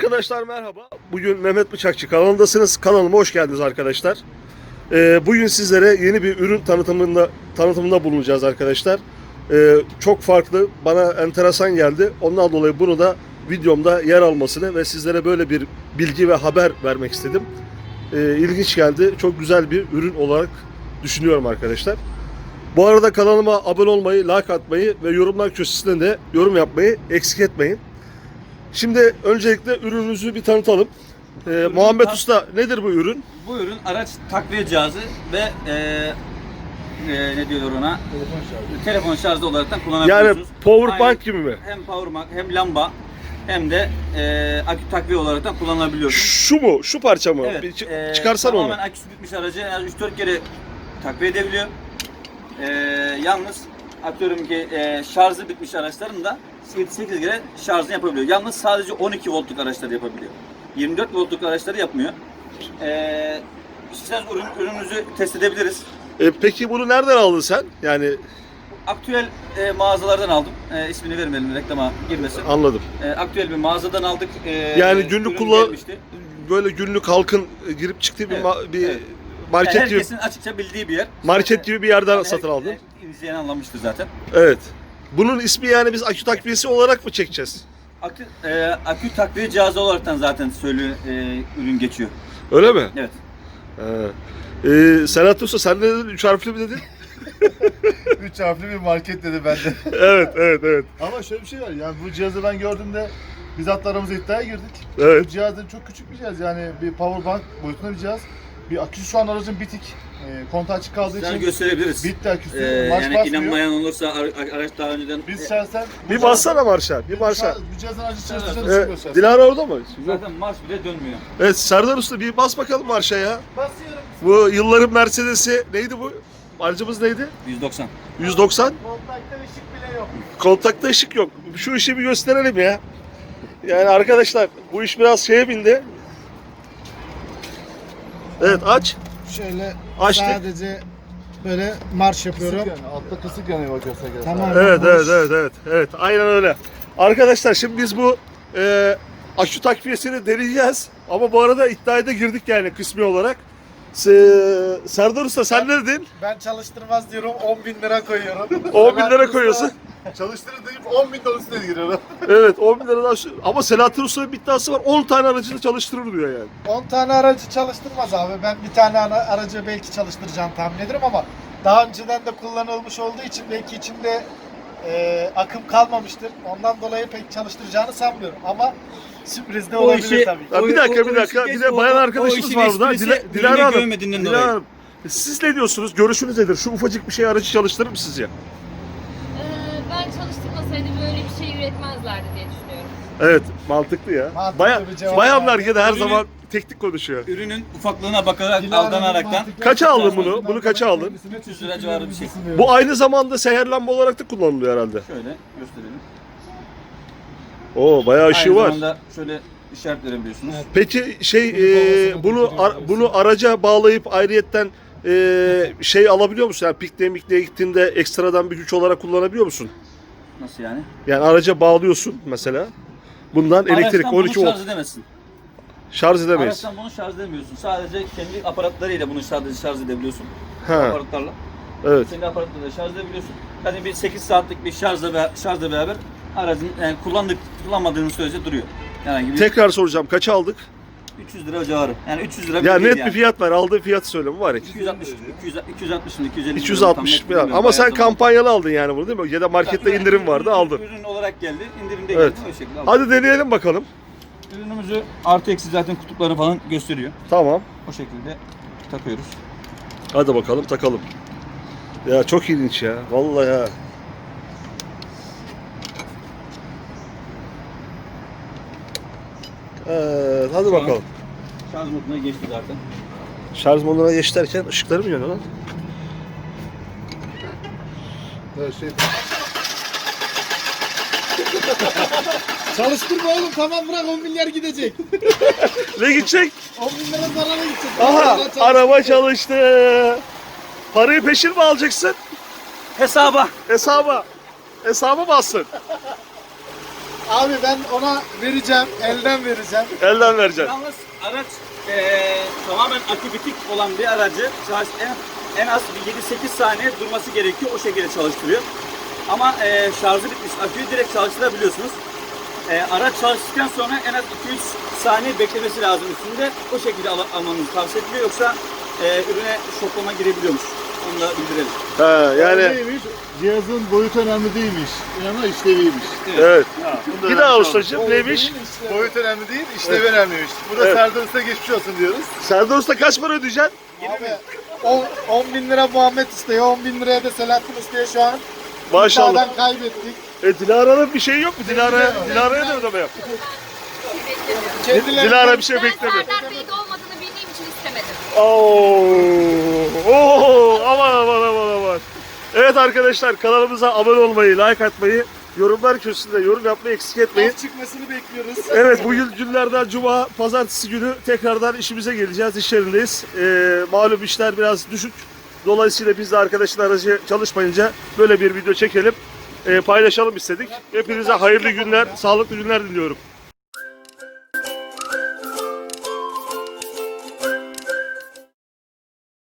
Arkadaşlar merhaba. Bugün Mehmet Bıçakçı kanalındasınız. Kanalıma hoş geldiniz arkadaşlar. Bugün sizlere yeni bir ürün tanıtımında bulunacağız arkadaşlar. Çok farklı, bana enteresan geldi. Ondan dolayı bunu da videomda yer almasını ve sizlere böyle bir bilgi ve haber vermek istedim. İlginç geldi. Çok güzel bir ürün olarak düşünüyorum arkadaşlar. Bu arada kanalıma abone olmayı, like atmayı ve yorumlar köşesinde de yorum yapmayı eksik etmeyin. Şimdi öncelikle ürünümüzü bir tanıtalım. Muhammed Usta, nedir bu ürün? Bu ürün araç takviye cihazı ve ne diyorlar ona? Telefon şarjı olarak kullanabiliyorsunuz. Yani power bank gibi mi? Hem power bank hem lamba hem de akü takviye olarak kullanabiliyorsunuz. Şu mu? Şu parça mı? Evet, Bir çıkarsan onu. tamamen aküsü bitmiş aracı en az 3-4 kere takviye edebiliyor. Yalnız atıyorum ki şarjı bitmiş araçların da 7-8 kere şarjını yapabiliyor. Yalnız sadece 12 voltluk araçları yapabiliyor. 24 voltluk araçları yapmıyor. İsterseniz ürünümüzü test edebiliriz. Peki bunu nereden aldın sen? Yani Aktüel mağazalardan aldım. İsmini vermeyelim, reklama girmesin. anladım. Aktüel bir mağazadan aldık. Yani günlük gelmişti. böyle günlük halkın girip çıktığı bir, Evet, bir evet. market Yani gibi, herkesin açıkça bildiği bir yer. market gibi bir yerden Yani satın aldın. İzleyen anlamıştır zaten. Evet. Bunun ismi yani biz akü takviyesi olarak mı çekeceğiz? Akü takviye cihazı olaraktan zaten ürün geçiyor. Öyle mi? Evet. Serhat Usta sen ne dedin? 3 harfli mi dedin? 3 harfli bir market dedi bende. Evet. Ama şöyle bir şey var, yani bu cihazı ben gördüğümde biz hatta aramıza iddiaya girdik. Evet. Bu cihazın çok küçük bir cihaz, yani bir power bank boyutunda bir cihaz. Bir aküsü şu an aracın bitik. Kontağı açık kaldığı Sizden için gösterebiliriz. bitti aküsü. Marş Yani basmıyor. inanmayan olursa araç daha önceden... Biz şahsen... Bir bassana marşa. Bir marşa. Bu cihazın aracı çalıştığını Evet. düşünüyoruz. Dilara orada mı? Zaten marş bile dönmüyor. Evet Serdar Usta bir bas bakalım marşa ya. Basıyorum. Bu yılların Mercedes'i neydi bu? Aracımız neydi? 190. 190. Kontakta ışık bile yok. Kontakta ışık yok. Şu işi bir gösterelim ya. Yani arkadaşlar bu iş biraz şeye bindi. Evet aç. Şöyle Açtık. sadece böyle marş yapıyorum. Kısık yani, altta kısık yanıyor bak gösterge. Tamam. Evet. Aynen öyle. Arkadaşlar şimdi biz bu akü takviyesini deneyeceğiz. Ama bu arada iddiaya da girdik yani kısmi olarak. Serdar Usta sen ne dedin? Ben çalıştırmaz diyorum, 10.000 lira koyuyorum. 10.000 lira koyuyorsun. Çalıştırır deyip 10.000 dolar üstüne giriyor. Evet 10 bin liradan ama Selahattin Usta'nın bir iddiası var 10 tane aracı da çalıştırır diyor yani. 10 tane aracı çalıştırmaz abi. Ben bir tane aracı belki çalıştıracağım tahmin ederim ama daha önceden de kullanılmış olduğu için belki içinde akım kalmamıştır. Ondan dolayı pek çalıştıracağını sanmıyorum ama sürpriz de O olabilir işi- tabii ki. Ya bir dakika işi bir geç, de bayan o arkadaşımız işin var burada. esprisi Dilara ürünü Hanım. görmediğinden Dilara dolayı. Hanım. Siz ne diyorsunuz? Görüşünüz nedir? Şu ufacık bir şey aracı çalıştırır mı sizce? Ben çalıştırmasaydım böyle bir şey üretmezlerdi diye düşünüyorum. Evet mantıklı ya. Mantıklı bir cevap Bayanlar verdi. gene her Ürünü- zaman teknik konuşuyor. Ürünün ufaklığına bakarak, Dilara'nın aldanaraktan mantıklı Kaça aldın açıklamasından bunu? Bunu kaça aldın? kendisine 300 lira civarı bir şey. sunuyorum. Bu aynı zamanda seher lamba olarak da kullanılıyor herhalde. Şöyle gösterelim. Oo bayağı ışığı Aynı var. zamanda şöyle işaret verebiliyorsunuz. Evet. Peki Babasına bunu bakıyor, bunu araca bağlayıp ayrıyetten şey alabiliyor musun? Yani pikniğe gittiğinde ekstradan bir güç olarak kullanabiliyor musun? Nasıl yani? Yani araca bağlıyorsun mesela. Bundan elektrik Araçtan 12 bunu volt şarj edemezsin. şarj edemeyiz. Araçtan bunu şarj edemiyorsun. Sadece kendi aparatlarıyla bunu sadece şarj edebiliyorsun. Ha, Aparatlarla. evet. Kendi aparatlarla şarj edebiliyorsun. Yani bir 8 saatlik bir şarjla beraber aracın yani kullanmadığınız sürece duruyor. Yani bir Tekrar soracağım. Kaça aldık? 300 lira civarı. Yani 300 lira Ya değil net bir fiyat ver. Aldığı fiyatı söyle mübarek. 260 mı 250 260 falan. Ama sen kampanyalı aldın yani bunu değil mi? Ya da markette indirim vardı aldın. Ürün olarak geldi. İndirimde Evet. geldi. O şekilde aldım. Hadi deneyelim bakalım. Ürünümüzü artı eksi zaten kutuplarını falan gösteriyor. Tamam. O şekilde takıyoruz. Hadi bakalım takalım. Ya çok ilginç ya. Vallahi ya. Evet, hadi bakalım. Şarj moduna geçti zaten. Şarj moduna geç derken ışıkları mı yanıyor lan? Evet, şey, Çalıştırma oğlum, tamam bırak, 10 milyar gidecek. Ne gidecek? 10 bin lira zarara gidecek. Aha araba çalıştı. Parayı peşin mi alacaksın? Hesaba. Hesaba. Hesaba bassın. Abi ben ona vereceğim, elden vereceğim. Elden vereceksin. Yalnız araç tamamen akü bitik olan bir aracı şarj en az bir 7-8 saniye durması gerekiyor. O şekilde çalıştırıyor. Ama şarjı bitmiş aküyü direkt çalıştırabiliyorsunuz. Araç çalıştıktan sonra en az 2-3 saniye beklemesi lazım üstünde. O şekilde almanızı tavsiye ediliyor. Yoksa ürüne şoklama girebiliyormuş. Onu da bildirelim. Ha, yani Neymiş? Cihazın boyutu önemli değilmiş. Önemli işleviymiş. evet. Bunu da Bir daha öğrenmiş ustacığım olduk. neymiş? Boyut önemli değil, işlevi önemliymiş. Burada Evet. Serdar Usta geçmiş olsun diyoruz. Serdar Usta kaç para ödeyeceksin? Abi 10 bin lira Muhammed istiyor, 10 bin liraya da Selahattin istiyor şu an. Maşallah. İddiadan kaybettik. Dilara'nın bir şeyi yok mu? Dilara'ya da ödeme yap. Kendileri Dilara bir şey Ben bekleme. Serdar Bey'de olmadığını bildiğim için istemedim. Oo, aman. Evet arkadaşlar, kanalımıza abone olmayı, like atmayı, yorumlar köşesinde yorum yapmayı eksik etmeyin. çıkmasını bekliyoruz. Evet, bugün günlerden cuma, pazartesi günü tekrardan işimize geleceğiz, iş yerindeyiz. Malum işler biraz düşük. Dolayısıyla biz de arkadaşın aracı çalışmayınca böyle bir video çekelim, paylaşalım istedik. Hepinize hayırlı günler, sağlıklı günler diliyorum.